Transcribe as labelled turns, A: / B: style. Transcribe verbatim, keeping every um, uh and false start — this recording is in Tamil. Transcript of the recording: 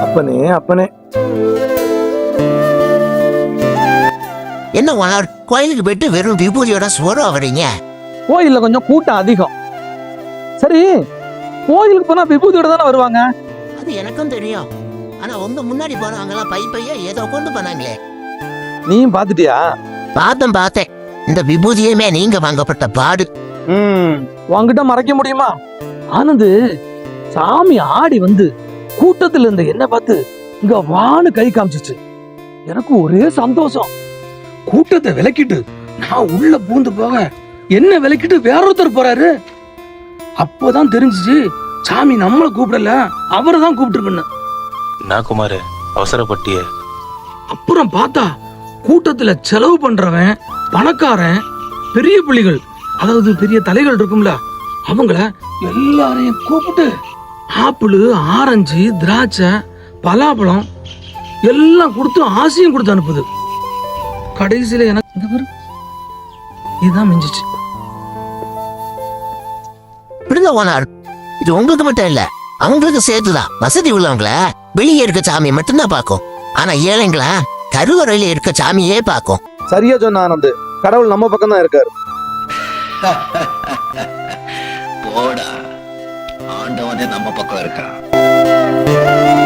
A: அப்பனே அப்பனே
B: என்ன ஓனர், கோயிலுக்கு போயிட்டு வெறும் விபூதியோட சோறம் வரீங்க?
A: கோயில்ல கொஞ்சம் கூட்டம் அதிகம். சரி, கோயிலுக்கு போனா விபூதியோட தானே வருவாங்க.
B: அது எனக்கும் தெரியும். ஆனா உங்க முன்னாடி போனவங்க எல்லாம் பை பையா ஏதோ கொண்டு போனாங்களே.
A: நீயும் பாத்துட்டியா?
B: பார்த்தேன் பார்த்தேன். இந்த விபூதியுமே நீங்க வாங்கப்பட்ட பாடு.
A: ம், உன்கிட்ட மறைக்க முடியுமா? ஆனந்து, சாமி ஆடி வந்து கூட்டத்துல இருந்த என்ன பார்த்து இங்க வான்னு கை காமிச்சிச்சு. எனக்கு ஒரே சந்தோஷம். கூட்டத்தை விலக்கிட்டு நான் உள்ள பூந்து போக என்ன விலக்கிட்டு வேற ஒருத்தர் போறாரு. அப்போதான் தெரிஞ்சிச்சு சாமி நம்மளை கூப்பிடல, அவரை தான் கூப்பிட்டு.
C: நான் குமார் அவசரப்பட்டிய.
A: அப்புறம் பார்த்தா கூட்டத்துல செலவு பண்றவன், பணக்காரன், பெரிய புள்ளிகள், அதாவது பெரிய தலைகள் இருக்கும்ல, அவங்கள எல்லாரையும் கூப்பிட்டு ஆப்பிள், ஆரஞ்சு, திராட்சை, பலாப்பழம் எல்லாம் கொடுத்து ஆசையும் கொடுத்து அனுப்புது. கடைசியில எனக்கு இந்த பாரு, இதுதான் மிஞ்சிச்சு.
B: விடுங்க ஓனர், இது உங்களுக்கு மட்டும் இல்ல, அவங்களுக்கு சேர்த்துதான். வசதி உள்ளவங்கள வெளியே இருக்க சாமி மட்டும்தான் பார்க்கும். ஆனா ஏழைங்களா கருவறையில இருக்க சாமியே பார்க்கும்.
A: சரியா சொன்ன ஆனந்த், கடவுள் நம்ம பக்கம் தான் இருக்காரு.
D: போடா, ஆண்டவனே நம்ம பக்கம் இருக்கா.